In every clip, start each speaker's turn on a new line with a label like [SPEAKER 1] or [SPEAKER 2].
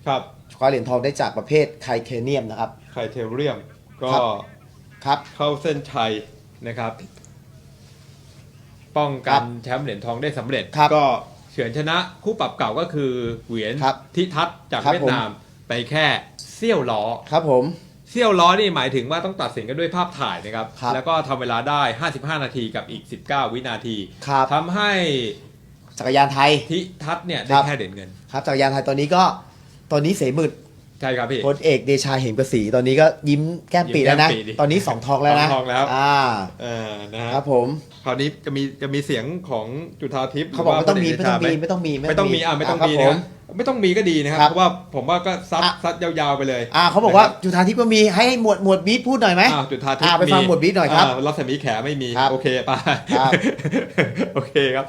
[SPEAKER 1] ครับ
[SPEAKER 2] คว้าเหรียญทองได้จากประเภทไทเทเนียมนะครับ
[SPEAKER 1] ไคเทเรียมก็
[SPEAKER 2] ครับ
[SPEAKER 1] เข้าเส้นชัยนะครับ ป้องกันแชมป์เหรียญทองได้สำเร็จก็เฉือนชนะคู่ปรับเก่าก็คือเหวียนทิทัศน์จากเวียดนามไปแค่เซี่ยวล้อ
[SPEAKER 2] ครับผม
[SPEAKER 1] เซี่ยวล้อนี่หมายถึงว่าต้องตัดสินกันด้วยภาพถ่ายนะครับแล้วก็ทำเวลาได้55นาทีกับอีก19วินาทีทำให้
[SPEAKER 2] จักรยานไทย
[SPEAKER 1] ทิทัศน์เนี่ยได้แค่เหรียญเงิน
[SPEAKER 2] ครับจักรยานไทยตอนนี้เสมืด
[SPEAKER 1] ใช่ครับพี่
[SPEAKER 2] พลเอกเดชาเหมกระสีตอนนี้ก็ยิ้มแก้มปีแล้วนะตอนนี้2 ทองแล้วนะ
[SPEAKER 1] ทองแล้ว
[SPEAKER 2] นะครับผม
[SPEAKER 1] คราวนี้จะมีเสียงของจุฑาทิพย์
[SPEAKER 2] เขาบอกไม่ต้องมีไม่ต้องมี
[SPEAKER 1] ไม่ต้องมีนะไม่ต้องมีก็ดีนะครับเพราะว่าผมว่าก็ซัดยาวๆไปเลย
[SPEAKER 2] เขาบอกว่าจุฑาทิพย์ก็มีให้หมวดบีทพูดหน่อยไหม
[SPEAKER 1] จุฑาทิพย์
[SPEAKER 2] ไปฟังหมวดบีทหน่อยครับ
[SPEAKER 1] รัศมีแขไม่มีโอเคไปโอเคครับ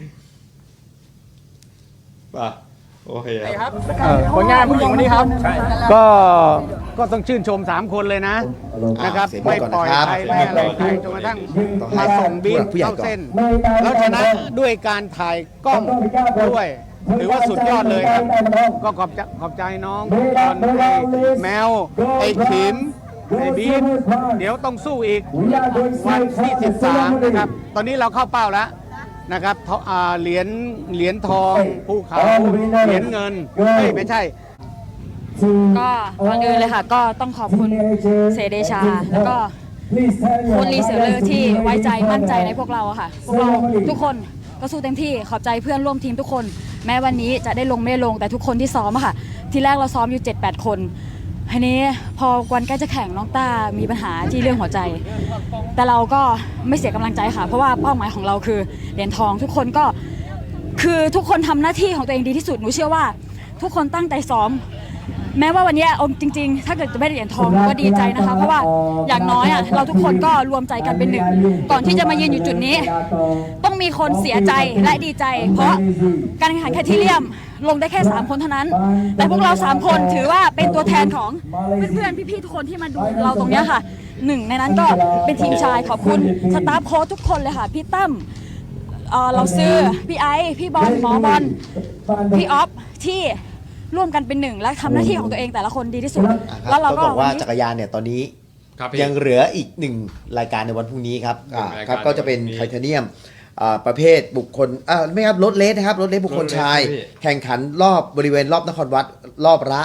[SPEAKER 1] ป่ะโอเคครับ
[SPEAKER 3] ผลงานผู้หญิงวันนี้ครับก็ต้องชื่นชม3คนเลยนะครับไม่ปล่อยใครไม่อะไรใครจนกระทั่งมาส่งบีทเข้าเส้นแล้วชนะด้วยการถ่ายกล้องด้วยถือว่าสุดยอดเลยครับก็ขอบใจน้องตอนแมวไอ้ขิมไอ้บีทเดี๋ยวต้องสู้อีกวันที่13นะครับตอนนี้เราเข้าเป้าแล้วนะครับเหรียญทองภูเขาเหรียญเงินไม่ใช่
[SPEAKER 4] ก็ก่อนอื่นเลยค่ะก็ต้องขอบคุณเสเดชาแล้วก็คุณลีเสือเลอที่ไว้ใจมั่นใจในพวกเราค่ะพวกเราทุกคนก็สู้เต็มที่ขอบใจเพื่อนร่วมทีมทุกคนแม้วันนี้จะได้ลงไม่ลงแต่ทุกคนที่ซ้อมค่ะทีแรกเราซ้อมอยู่ 7-8 คนทีนี้พอวันใกล้จะแข่งน้องต้ามีปัญหาที่เรื่องหัวใจแต่เราก็ไม่เสียกำลังใจค่ะเพราะว่าเป้าหมายของเราคือเหรียญทองทุกคนก็คือทุกคนทำหน้าที่ของตัวเองดีที่สุดหนูเชื่อว่าทุกคนตั้งใจซ้อมแม้ว่าวันนี้จริงๆถ้าเกิดจะไม่ได้เหรียญทองก็ดีใจนะคะเพราะว่าอย่างน้อยเราทุกคนก็รวมใจกันเป็นหนึ่งก่อนที่จะมายืนอยู่จุดนี้ต้องมีคนเสียใจและดีใจเพราะการแข่งขันไคเทเรียมลงได้แค่3คนเท่านั้นแต่พวกเรา3คนถือว่าเป็นตัวแทนของเพื่อนๆพี่ๆทุกคนที่มาดูเราตรงนี้ค่ะหนึ่งในนั้นก็เป็นทีมชายขอบคุณสตาฟโค้ชทุกคนเลยค่ะพี่ตั้มเราซื้อพี่ไอซ์พี่บอลหมอบอลพี่ออฟที่ร่วมกันเป็นหนึ่งและทำหน้าที่ของตัวเองแต่ละคนดีที่สุด
[SPEAKER 2] แล้วเราก็บอกว่าจักรยานเนี่ยตอนนี้ยังเหลืออีก1รายการในวันพรุ่งนี้ครับก็จะเป็นไทเทเนียมประเภทบุคคลไม่ครับรถเลสนะครับรถเลสบุคคลชายแข่งขันบริเวณรอบนครวัดรอบละ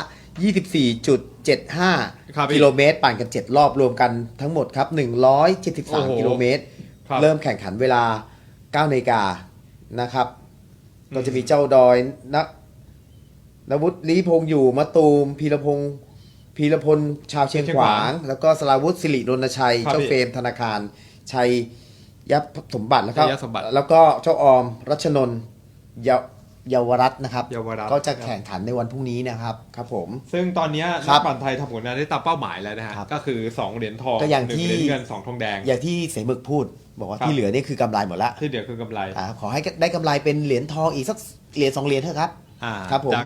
[SPEAKER 2] 24.75 กิโลเมตรปั่นกัน7รอบรวมกันทั้งหมดครับ173 กิโลเมตรเริ่มแข่งขันเวลา 9 นาฬิกานะครับก็จะมีเจ้าดอยนวุฒิลีพงษ์อยู่มะตูมพีรพลชาวเชียงขวางแล้วก็สราวุฒิสิริรณชัยเจ้าเฟรมธนาคารชัยยับสมบัติแล้วก็เจ้าออมรัชนนท์เยาวรัตน์นะครับก็จะแข่งขันในวันพรุ่งนี้นะครับครับผม
[SPEAKER 1] ซึ่งตอนนี้นักปั่นไทยทำผลงานได้ตามเป้าหมายแล้วนะฮะก็คือ2เหรียญทอง1เหรียญเงิน2ทองแดง
[SPEAKER 2] อย่างที่เสมึกพูดบอกว่าที่เหลือนี่คือกำไรหมดละ
[SPEAKER 1] ที่เหลือคือกำไร
[SPEAKER 2] ขอให้ได้กำไรเป็นเหรียญทองอีกสักเหรียญ2เหรียญเถอะครับครับผม